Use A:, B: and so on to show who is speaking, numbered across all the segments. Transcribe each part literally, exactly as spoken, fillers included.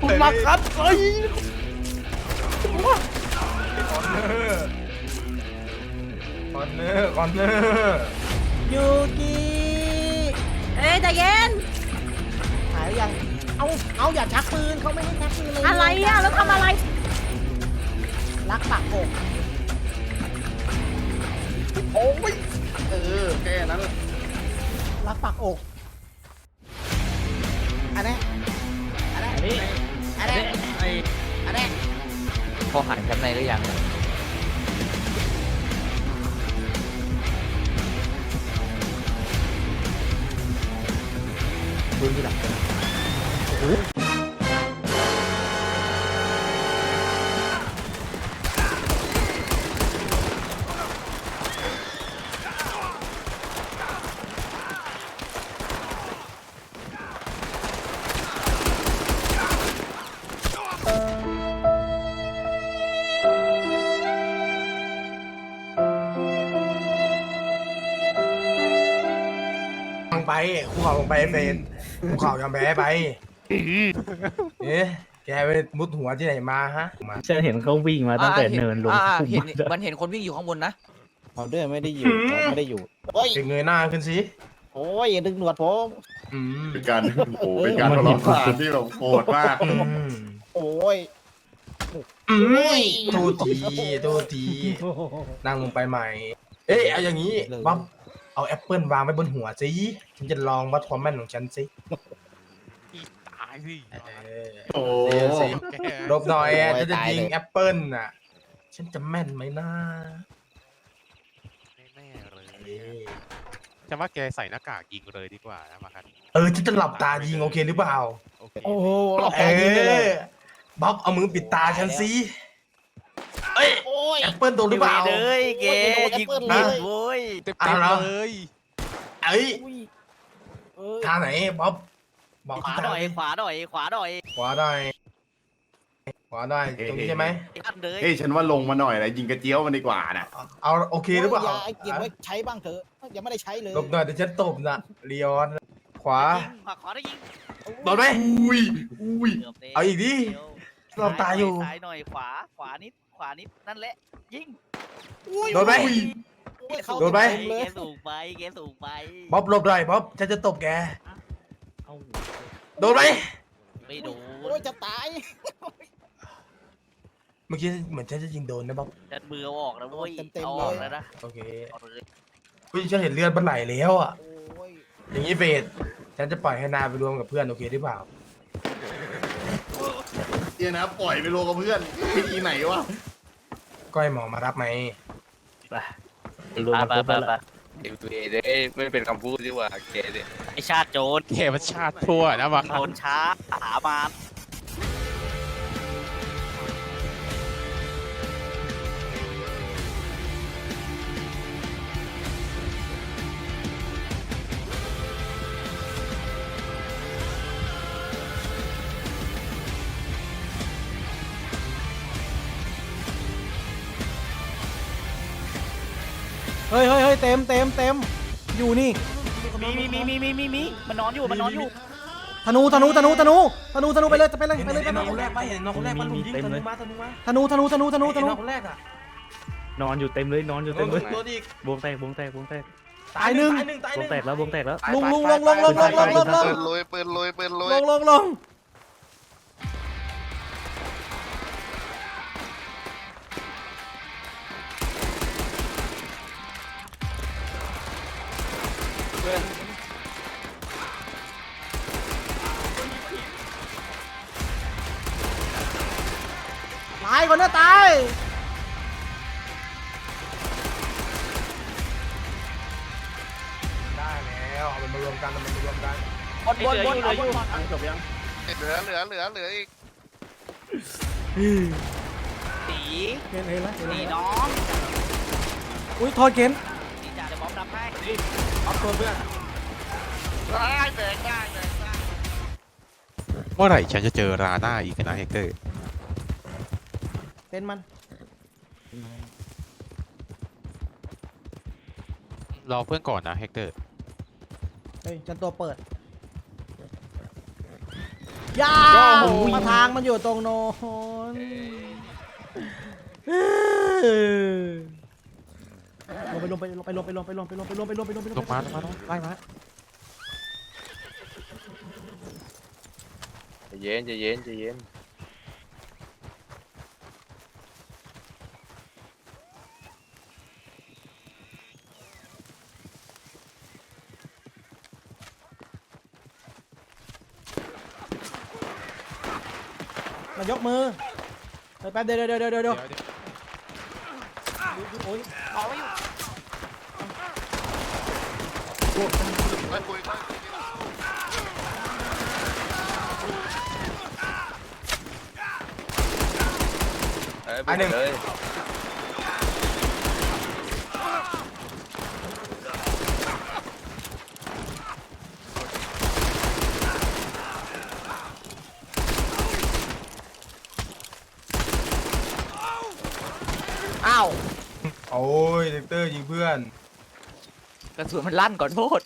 A: คุณมาครับเฮ้ยคอนเนอร์คอนเนอร์คอนเนอร์ยูกิเอ้ยใจเย็นหายหรือยังเอาเอาอย่าชักปืนเขาไม่ให้ชักปืนเลยอะไรอ่ะแล้วทำอะไรรักปากโอกโอ้ยเออแค่นั้นรักปากอกอันนี้อันนี้อันนี้อันนี้อันนี้
B: พอหันกันในหรือยังดูที่หลังกันโอ้โห
A: ไปคู่เข่าลงไปเฟนคู่เข่ายอมแพ้ไปเอ๊ะแกไปมุดหัวที่ไหนมาฮะ
B: ฉันเห็นเขาวิ่งมาตั้งแต่เนินลง
C: เห็นมันเห็นคนวิ่งอยู่ข้างบนนะ
D: เอาด้วยไม่ได้อยู่ไม่ได้อยู่
A: โอ้ยเงยหน้าขึ้นสิ
D: โอ้ยอย่าดึงหนวดผม
E: เป็นการโอ้เป็นการทะเลาะกันที่แบบโหดมาก
D: โอ้ย
A: โทษทีโทษทีนั่งลงไปใหม่เอ๊ะเอาอย่างนี้บ๊อบเอาแอปเปิลวางไว้บนหัวสิฉันจะลองวัดความแม่นของฉันสิ
F: ตายสิ
E: โอ้
A: ลบหน่อยจะจะยิงแอปเปิลน่ะฉันจะแม่นไหมนะ
F: ไม่แน่เลยจะว่าแกใส่หน้ากากยิงเลยดีกว่านะมาครับ
A: เออฉันจะหลับตายิงโอเคหรือเปล่า
D: โอ้โหหลับ
A: ตา
D: ยิงเลย
A: บ๊อบเอามือปิดตาฉันสิเอ้ยแอปเปิลโดนหรือเปล่า
C: เลยแกยิงผิดโว้ย
F: เต็มเลย
A: เอ้ยทางไหนบ๊อบบอก
C: ขวาหน่อยขวาหน่อยขวาหน่อย
A: ขวาได้ขวาได้ตรงนี้ใช่ไหม
E: เฮ้ยฉันว่าลงมาหน่อยนะยิงกระเจี๊ยวมันดีกว่านะ
A: เอาโอเคหรือเปล่า
D: ไอ้เก็บไว้ใช้บ้างเถอะยังไม่ได้ใช้เลย
A: หลบหน่อยเดี๋ยวฉันตบนะเลียนขวา
C: ขวาได้ยิง
A: โดนไหม
E: อุ้ยอุ้ย
A: เอาอีกดิเราตายอยู่
C: ซ้ายหน่อยขวาขวานิดขวานิดนั่นแหละยิง
A: โดนไหมโดนไหม
C: แกสูงไปแกสูงไป
A: บ๊อบหลบหน่อยบ๊อบฉันจะตบแกโดนไหม
C: ไม่โดน
D: โอ้ยจะตาย
A: เมื่อกี้เหมือนฉันจะยิงโดนนะบ๊อบ
C: ฉันมือเอาออกนะเว้ยเอาออกแล้วนะ
A: โอเคพี่ฉันเห็นเลือดมันไหลแล้วอ่ะอย่างนี้เฟสฉันจะปล่อยให้นาไปรวมกับเพื่อนโอเคหรือเปล่า
E: เดี๋ยวนะปล่อยไปรวมกับเพื่อนวิธีไหนวะ
A: ก้อยหมอมารับไหม
B: ไปรวมกับเพื่อนละ
G: เดี๋ยวตัวเองได้ไม่เป็นคำพูดดีกว่าแกเนี่ย
C: ไอชาติโจร
F: แกมันชาติทั่วนะมา
C: โจรช้าหามาน
D: เฮ้ยเฮ้ยเฮ้ยเต็มเต็มเต็มอยู่นี่
C: มีมีมีมีมีมีมีมันนอนอยู่มันนอนอยู่
D: ธนูธนูธนูธนูธนูธนูไปเลยไปเลยไปเลยไป
A: เลย
D: คน
A: แรกไปเห็นน้องคนแรกมันลุมยิงธนูมาธนูมา
D: ธนูธนูธนูธนูธนู
A: คนแรกอ่ะ
B: นอนอยู่เต็มเลยนอนอยู่เต็มเลยบวงแตกบวงแตกบวงแตก
D: ตายหนึ่ง
B: บวงแตกแล้วบวงแตกแล้ว
D: ลงลงลงลงลงลงลงลงลง
G: ลอยเปิดลอยเปิดลอย
D: ลงลงลงตายคนน่ะตาย
A: ได้แล้วเอามันมารวมกันเอามันมารวมกัน
C: บนบนบนเอาบน
D: จบยัง
G: เหลือเหลือเหลือเหลืออีก
C: สี
D: เห็นเห็นไหม
C: สีน้อง
D: อุ้ยโทษเกน
C: สีจ่าจะบอมรับให้
A: เอาตัวเพื่อน
C: ได้เดินได้เดินได้
F: เมื่อไหร่ฉันจะเจอราหน้าอีกนะเฮกเตอร์
D: เป็นมัน
F: รอเพื่อนก่อนนะเฮกเตอร์
D: เฮ้ยจันตัวเปิด
A: ย่ามาทางมันอยู่ตรงโน้นลงไปลงไปลงไปลงไปลงไปลงไปลงไปลงไปลงไปลงไป
F: ลงมาลงมาลงไล่มา
G: ใจเย็นใจเย็นใจเย็น
A: มายกมือแป๊บเดี๋ยวเดี๋ยวเดี๋ยวเดี๋ยวเดี๋ยวโอ้ย
G: ไม่คุยไม่เอ้ยไปเลย
A: อ้าว
H: โอ้ยเด็กเตอร์ยิงเพื่อน
C: กระสุนมันลั่นก่อนโทษ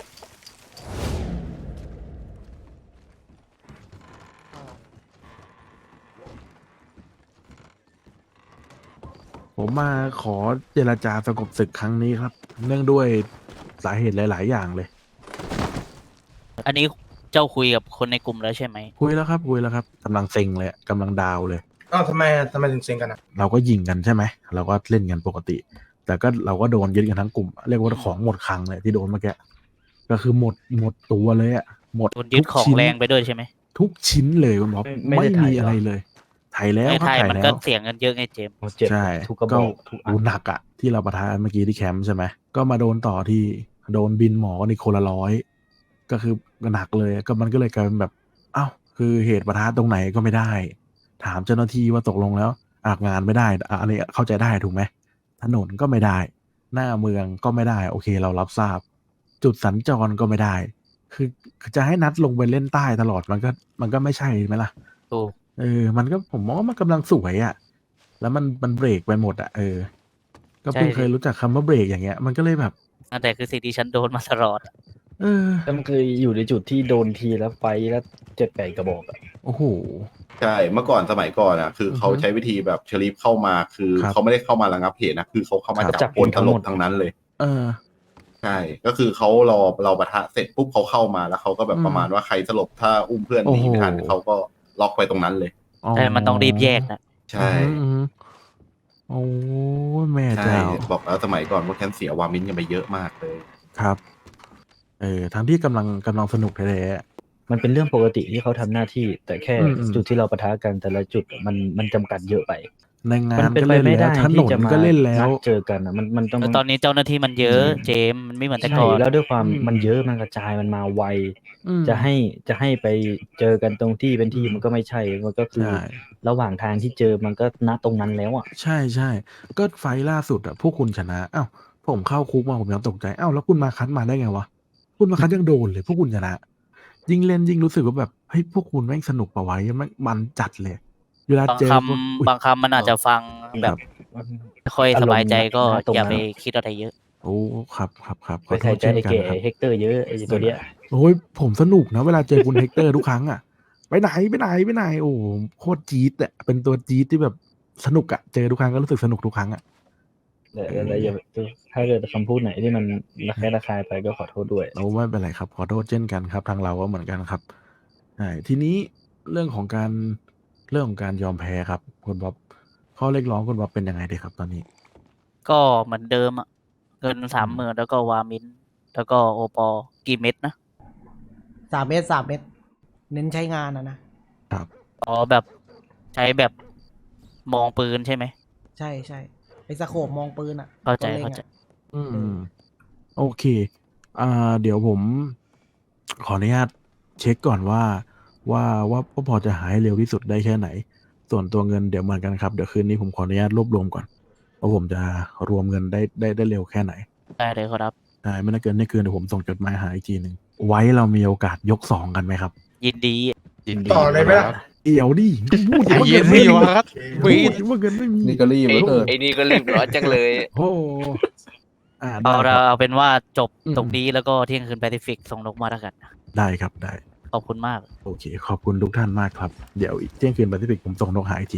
I: ผมมาขอเจรจาสงบศึกครั้งนี้ครับ เนื่องด้วยสาเหตุหลาย ๆ อย่างเลย
C: อันนี้เจ้าคุยกับคนในกลุ่มแล้วใช่ไหม
I: คุยแล้วครับคุยแล้วครับกำลังเซ็งเลยกำลังดาวเลย
H: อ้าวทำไมทำไมถึงเซ็งกันอ่ะ
I: เราก็ยิงกันใช่ไหมเราก็เล่นกันปกติ แต่ก็เราก็โดนยึดกันทั้งกลุ่ม เรียกว่าของหมดคลังเลยที่โดนเมื่อกี้ก็คือหมดหมดตัวเลยอะหมด
C: โดนยึด
I: ทุก
C: ของ
I: ชิ้น
C: แรงไปด้วยใช่ไหม
I: ทุกชิ้นเลยคุณหมอ
B: ไม่
I: ไม่
B: ได้ถ่าย
I: มี
B: เหรออ
I: อะไรเลยถ่ายแล้ว
C: ใน
I: ครับ
C: ไทย
I: ถ่าย
C: มัน
I: แล้
C: ก็
I: ว
C: เสียเงินเยอะไงเจมส์
B: เจ็บ
I: ใช่
B: ทุกกระบ
I: ก็
B: อกทุกอั
I: ดู
B: น
I: หนักอะที่เราประทะเมื่อกี้ที่แคมป์ใช่ไหมก็มาโดนต่อที่โดนบินหมอนี่คนละร้อยก็คือหนักเลยก็มันก็เลยกลายเป็นแบบอ้าวคือเหตุประทะตรงไหนก็ไม่ได้ ถามเจ้าหน้าที่ว่าตกลงแล้วอากงานไม่ได้อ่ะอันนี้เข้าใจได้ถูกไหมถนนก็ไม่ได้ หน้าเมืองก็ไม่ได้โอเคเรารับทราบ จุดสัญจรก็ไม่ได้ คือคือจะให้นัดลงไปเล่นใต้ตลอดมันก็มันก็ไม่ใช่ไหมล่ะ
C: ถูก
I: เออ มันก็ผมมองว่ามันกำลังสวยอะ่ะ แล้วมันมันเบรกไปหมดอะ่ะ เออ ก็เพิ่งเคยรู้จักคำว่าเบรกอย่างเงี้ย มันก็เลยแบบ
C: นั่นแต่คือสิ่งที่ฉันโดนมาตลอด
I: เออ
B: แล้วมันเคยอยู่ในจุดที่โดนทีแล้วไฟแล้วเจ็ดแปดกระบอกอะ
I: โอ้โห
E: ใช่เมื่อก่อนสมัยก่อนอ่ะคือเขา
I: อือฮึ
E: ใช้วิธีแบบเชลีฟเข้ามาคือ
I: ครับ
E: เขาไม่ได้เข้ามาระงับเหตุนะคือเขาเข้ามา
I: ครับ
E: จับคนตลบทั้งนั้นเลย
I: เออ
E: ใช่ก็คือเขารอเราปะทะเสร็จปุ๊บเขาเข้ามาแล้วเขาก็แบบ
I: อืม
E: ประมาณว่าใครสลบถ้าอุ้มเพื่อนหนีไม่ทัน
I: โอ้โห
E: เขาก็ล็อกไปตรงนั้นเลย
C: แต่มันต้องรีบแยกนะ
E: ใช่
I: อืมอืมโอ้ยแม่
E: ใช่
I: เจ้า
E: บอกแล้วสมัยก่อนพวกแคนเสียวามินกันไปเยอะมากเลย
I: ครับ เออ ทั้งที่กำลังกำลังสนุกแท้
B: มันเป็นเรื่องปกติที่เขาทำหน้าที่ แต่แค่
I: อืมอืม
B: จุดที่เราปะทะกันแต่ละจุดมันมันจำกัดเยอะไป
I: ๆในงา
B: มัน นเป็น
I: ก็
B: ไป
I: เล่น
B: ไม่
I: แล้
B: ได้
I: วถน
B: ที่
I: น
B: จะมา
I: ก็เล่นแล้ว
B: นัดเจอกันอะมันมันต้อง
C: แต่ตอนนี้เจ้าหน้าที่มันเยอะเจมส์มันไม่เหมือนแต่
B: ใช่
C: ก่อน
B: แล้วด้วยความ
I: อืม
B: มันเยอะมันกระจายมันมาไว
I: อืม
B: จะให้จะให้ไปเจอกันตรงที่เป็นที่
I: อืม
B: มันก็ไม่ใช่ มันก็คือ
I: ใช่
B: ระหว่างทางที่เจอมันก็ณตรงนั้นแล้วอ่ะ
I: ใช่ใช่ก็ไฟล์ล่าสุดอะพวกคุณชนะอ้าวผมเข้าคุกมาผมยังตกใจอ้าวแล้วคุณมาคัดมาได้ไงวะคุณมาคัดยังโดนเลยพวกคุณชนะ ยิ่งเล่นยิ่งรู้สึกว่าแบบเฮ้ยพวกคุณแม่งสนุกปะไว้มันมันจัดเลยเวลา
C: บาง
I: เจอ
C: ค
I: พวกอุ๊ย
C: ำบางคำมันอาจจะฟังแบบไม่ค่อยสบายใจก็
B: อารมณ์ณตรงนั้น
C: อย่าไปคิดอะไรเยอะ
I: โอ้ครับครับครับข
B: ไป
I: อโท
B: ใส่
I: ษ
B: ใจ
I: เช่น
B: ไอ้
I: กัน
B: เก๋
I: ครับ
B: เฮกเตอร์เยอะไอ้ตัวเนี้ย
I: โอ้ยผมสนุกนะเวลาเจอคุณเฮกเตอร์ทุกครั้งอะไปไหนไปไหนไปไหนโอ้โหโคตรจี๊ดอะเป็นตัวจี๊ดที่แบบสนุกอะเจอทุกครั้งก็รู้สึกสนุกทุกครั้งอะ
B: แต่แต่อย่าถ้าเกิดคำพูดไหนที่มันระแคะระคายไปก็ขอโทษด้วย
I: โอ้ไม่เป็นไรครับขอโทษเช่นกันครับทางเราก็เหมือนกันครับใช่ทีนี้เรื่องของการเรื่องของการยอมแพ้ครับคุณบ๊อบข้อเรียกร้องคุณบ๊อบเป็นยังไงดีครับตอนนี้
C: ก็เหมือนเดิมอะเงินสามหมื่นแล้วก็วามิน แล้วก็โอปอกี่เม็ดนะ
A: สามเมตรสามเมตร เน้นใช้งานนะนะ
C: อ๋อแบบใช้แบบมองปืนใช่ไหม
A: ใช่ใช่ไอ้สโคปมองปืนอ่ะ
C: เข้าใจ
A: ตัวล็ง
C: เข้าใจ
A: อะ
I: อืมโอเคอ่าเดี๋ยวผม ขออนุญาตเช็คก่อนว่า ว่าว่าว่าพอจะหาให้เร็วที่สุดได้แค่ไหน ส่วนตัวเงินเดี๋ยวเหมือนกันครับเดี๋ยวคืนนี้ผมขออนุญาตรวบรวมก่อนว่าผมจะรวมเงินได้ได้ได้เร็วแค่ไหน
C: ได้เลยครับ
I: ใช่ไม่น่าเกินไม่เกินเดี๋ยวผมส่งจดหมายหาอีกทีหนึ่งไว้เรามีโอกาสยกสองกันไหมครับ
C: ยินดี
F: ยินดี
H: ต่อเลยไหมล่ะ
I: เอี่ยวดิพูด
F: ใจ
I: ว่า
F: เย็
I: เงิ
F: น
I: น
F: สิ
I: ไม่มี
F: วะครับ
I: พูดว่าเงินไม่มี
E: นี่ก็รีบ
G: ไอ้
E: เหลือเกิน
G: ไอ้นี่ก็รีบร้อนจังเลย
I: โอ้อ่าได้
C: เอา
I: ค
C: เรา
I: รับ
C: เอาเป็นว่าจบ
I: อืม
C: ตรงนี้แล้วก็เที่ยงคืนแปซิฟิกส่งนกมาแล้วกัน
I: ได้ครับได้
C: ขอบคุณมาก
I: โอเค ขอบคุณทุกท่านมากครับ เดี๋ยวอีกเที่ยงคืนแปซิฟิกผมส่งนกหาอีกที